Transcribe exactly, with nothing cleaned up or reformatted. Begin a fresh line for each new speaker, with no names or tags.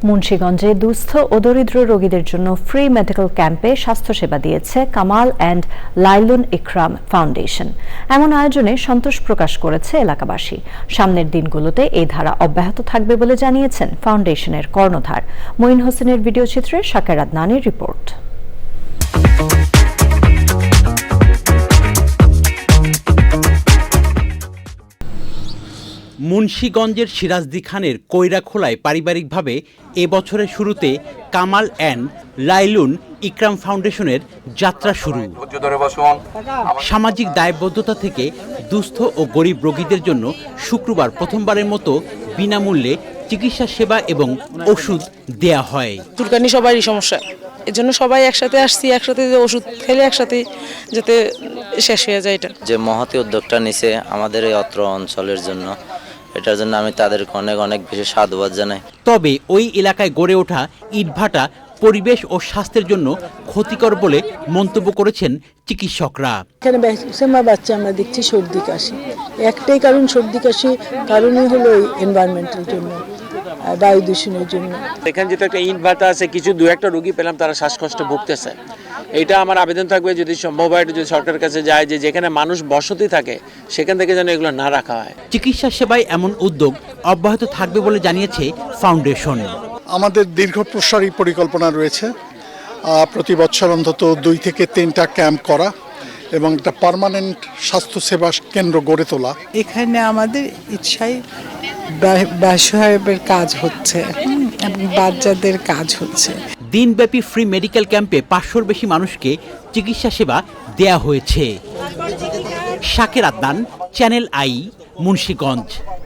মুন্সিগঞ্জে দুস্থ ও দরিদ্র রোগীদের জন্য ফ্রি মেডিকেল ক্যাম্পে স্বাস্থ্যসেবা দিয়েছে কামাল অ্যান্ড লাইলুন ইকরাম ফাউন্ডেশন। এমন আয়োজনে সন্তোষ প্রকাশ করেছে এলাকাবাসী। সামনের দিনগুলোতে এই ধারা অব্যাহত থাকবে বলে জানিয়েছেন ফাউন্ডেশনের কর্ণধার। মঈন হোসেনের ভিডিও চিত্রে শাকের আদনানের রিপোর্ট।
মুন্সিগঞ্জের সিরাজদি খানের কৈরাখোলায় পারিবারিকভাবে এ বছরের শুরুতে কামাল অ্যান্ড লাইলুন ইকরাম ফাউন্ডেশনের যাত্রা শুরু। সামাজিক দায়বদ্ধতা থেকে দুস্থ ও গরিব রোগীদের জন্য শুক্রবার প্রথমবারের মতো বিনামূল্যে চিকিৎসা সেবা এবং ওষুধ দেয়া হয়।
চুলকানি সবারই সমস্যা, এর জন্য সবাই একসাথে আসছি, একসাথে ওষুধ খেলে একসাথে যাতে শেষ হয়ে যায়। এটা
যে মহতি উদ্যোগটা নিছে আমাদের এই অত্র অঞ্চলের জন্য, এটার জন্য আমি তাদেরকে অনেক অনেক বেশি সাধুবাদ জানাই।
তবে ওই এলাকায় গড়ে ওঠা ইটভাটা পরিবেশ ও স্বাস্থ্যের জন্য ক্ষতিকর বলে মন্তব্য করেছেন চিকিৎসকরা।
এখানে ম্যাক্সিমাম বাচ্চা আমরা দেখছি সর্দি কাশি, একটাই কারণ সর্দি কাশি কারণই হলো এনভায়রনমেন্টের জন্য, বায়ু দূষণের জন্য।
এখানে যেটা একটা ইনভার্টার আছে, কিছু দু একটা রোগী পেলাম তারা শ্বাসকষ্ট ভুগতেছে। এটা আমার আবেদন থাকবে যদি সম্ভব হয় যদি সরকারের কাছে যায় যে যেখানে মানুষ বসতি থাকে সেখান থেকে যেন এগুলো না রাখা হয়।
চিকিৎসা সেবায় এমন উদ্যোগ অব্যাহত থাকবে বলে জানিয়েছে ফাউন্ডেশন।
আমাদের দীর্ঘ প্রসারী পরিকল্পনা রয়েছে, প্রতি বছর অন্তত দুই থেকে তিনটা ক্যাম্প করা এবং একটা পার্মানেন্ট স্বাস্থ্যসেবা কেন্দ্র গড়ে তোলা।
এখানে আমাদের ইচ্ছায় বাসহায়ের কাজ হচ্ছে এবং বাচ্চাদের কাজ হচ্ছে।
দিনব্যাপী ফ্রি মেডিকেল ক্যাম্পে পাঁচশোর বেশি মানুষকে চিকিৎসা সেবা দেয়া হয়েছে। শাকের আদনান, চ্যানেল আই, মুন্সিগঞ্জ।